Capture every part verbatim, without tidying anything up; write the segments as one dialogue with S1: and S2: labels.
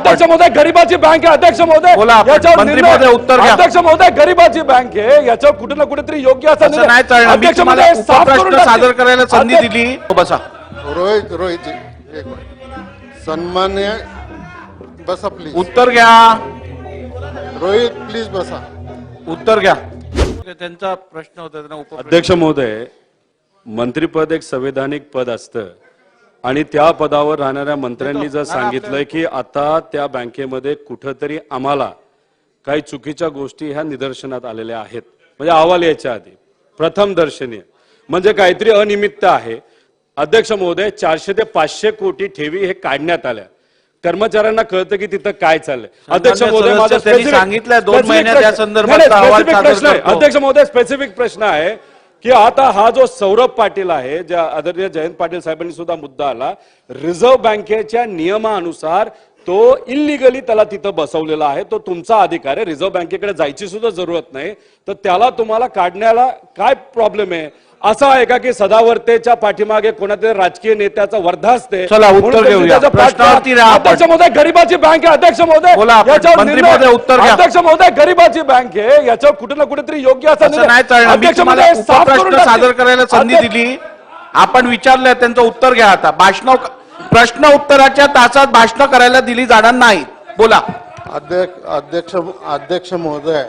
S1: अध्यक्ष महोदय गरिबाची बँक आहे अध्यक्ष महोदय
S2: बोला आपण.
S1: याच्यावर
S2: मंत्री
S1: निर्णय-
S2: महोदय उत्तर घ्या.
S1: अध्यक्ष महोदय गरिबाची बँक आहे याच्यावर कुठे ना कुठेतरी योग्य असा
S2: असं
S1: निर्णय-
S2: नाही चालणार. मी
S1: अध्यक्ष
S2: तुम्हाला
S1: महोदय साफ करून
S2: उपप्रश्न
S1: टाकते.
S2: सादर करायला संधी
S1: अध्यक्ष-
S2: दिली. हो, बसा.
S3: रोहित रोहित जी एक मिनिट. सन्मान्य बसा प्लीज.
S2: उत्तर घ्या.
S3: रोहित प्लीज बसा.
S2: उत्तर घ्या. त्यांचा प्रश्न होता त्यांना उपप्रश्न-
S1: अध्यक्ष महोदय मंत्रीपद एक संवैधानिक पद असतं आणि त्या पदावर राहणाऱ्या मंत्र्यांनी जर सांगितलंय की आता त्या बँकेमध्ये कुठंतरी आम्हाला काही चुकीच्या गोष्टी ह्या निदर्शनात आलेल्या आहेत म्हणजे अहवाल यायच्या आधी प्रथम दर्शनीय म्हणजे काहीतरी अनियमितता आहे. अध्यक्ष महोदय चारशे ते पाचशे कोटी ठेवी हे काढण्यात आल्या कर्मचाऱ्यांना कळतं की तिथं काय चाललंय. अध्यक्ष महोदय माझा
S2: सदस्य त्यांनी
S1: specific-
S2: सांगितलंय दोन
S1: specific
S2: महिन्यात
S1: प्रश्न-
S2: या संदर्भात
S1: नाही, नाही,
S2: अहवाल
S1: specific
S2: सादर
S1: प्रश्न आहे.
S2: करतो.
S1: अध्यक्ष महोदय स्पेसिफिक प्रश्न आहे की आता हा जो सौरभ पाटील आहे ज्या आदरणीय जयंत पाटील साहेबांनी सुद्धा मुद्दा आला रिझर्व्ह बँकेच्या नियमानुसार तो इलिगली त्याला तिथं बसवलेला आहे. तो तुमचा अधिकार आहे. रिझर्व्ह बँकेकडे जायची सुद्धा जरूरत नाही तर त्याला तुम्हाला काढण्याला काय प्रॉब्लेम आहे. असं आहे का की सदावर्तेच्या पाठीमागे कोणातरी राजकीय नेत्याचा वर्धा असते.
S2: चला, उत्तर
S1: म्हणून तुम्ही
S2: घेऊया.
S1: त्याचा पाठ-
S2: प्रश्नावरती राहा आपण.
S1: अध्यक्ष महोदय गरिबाची बँक आहे अध्यक्ष महोदय
S2: बोला आपण.
S1: याच्यावर
S2: मंत्री
S1: निर्णय-
S2: महोदय उत्तर घ्या.
S1: अध्यक्ष महोदय गरिबाची बँक आहे याच्यावर कुठे ना कुठेतरी योग्य असा
S2: असं नाही चालणार. मी
S1: अध्यक्ष
S2: तुम्हाला
S1: महोदय साफ करून
S2: उपप्रश्न
S1: टाकते.
S2: सादर करायला संधी
S1: अध्यक्ष-
S2: दिली. आपण विचारलंय त्यांचं उत्तर घ्या. आता भाषण प्रश्न उत्तराच्या तासात भाषण करायला दिली जाणार नाही. बोला.
S3: अध्यक्ष अध्यक्ष अध्यक्ष महोदय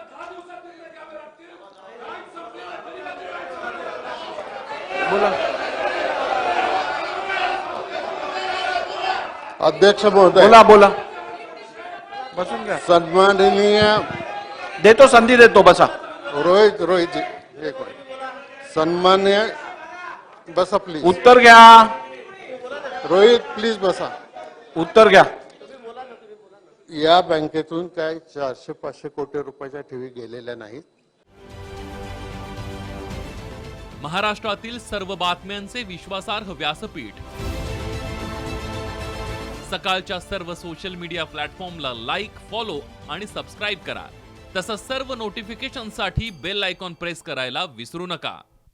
S2: बोला.
S3: अध्यक्ष महोदय
S2: बोला बोला बसून घ्या.
S3: सन्माननीय
S2: देतो संधी देतो. बसा.
S3: रोहित रोहित जी एक मिनिट. सन्मान्य बसा प्लीज.
S2: उत्तर घ्या.
S3: रोहित प्लीज बसा.
S2: उत्तर घ्या.
S3: या बँकेतून काय चारशे पाचशे कोटी रुपयाच्या ठेवी गेलेल्या नाहीत.
S4: महाराष्ट्रातील सर्व बातम्यांचे विश्वासार्ह व्यासपीठ सकाळच्या सर्व सोशल मीडिया प्लॅटफॉर्मला लाईक, फॉलो आणि सबस्क्राईब करा. तसंच सर्व नोटिफिकेशनसाठी बेल आयकॉन प्रेस करायला विसरू नका.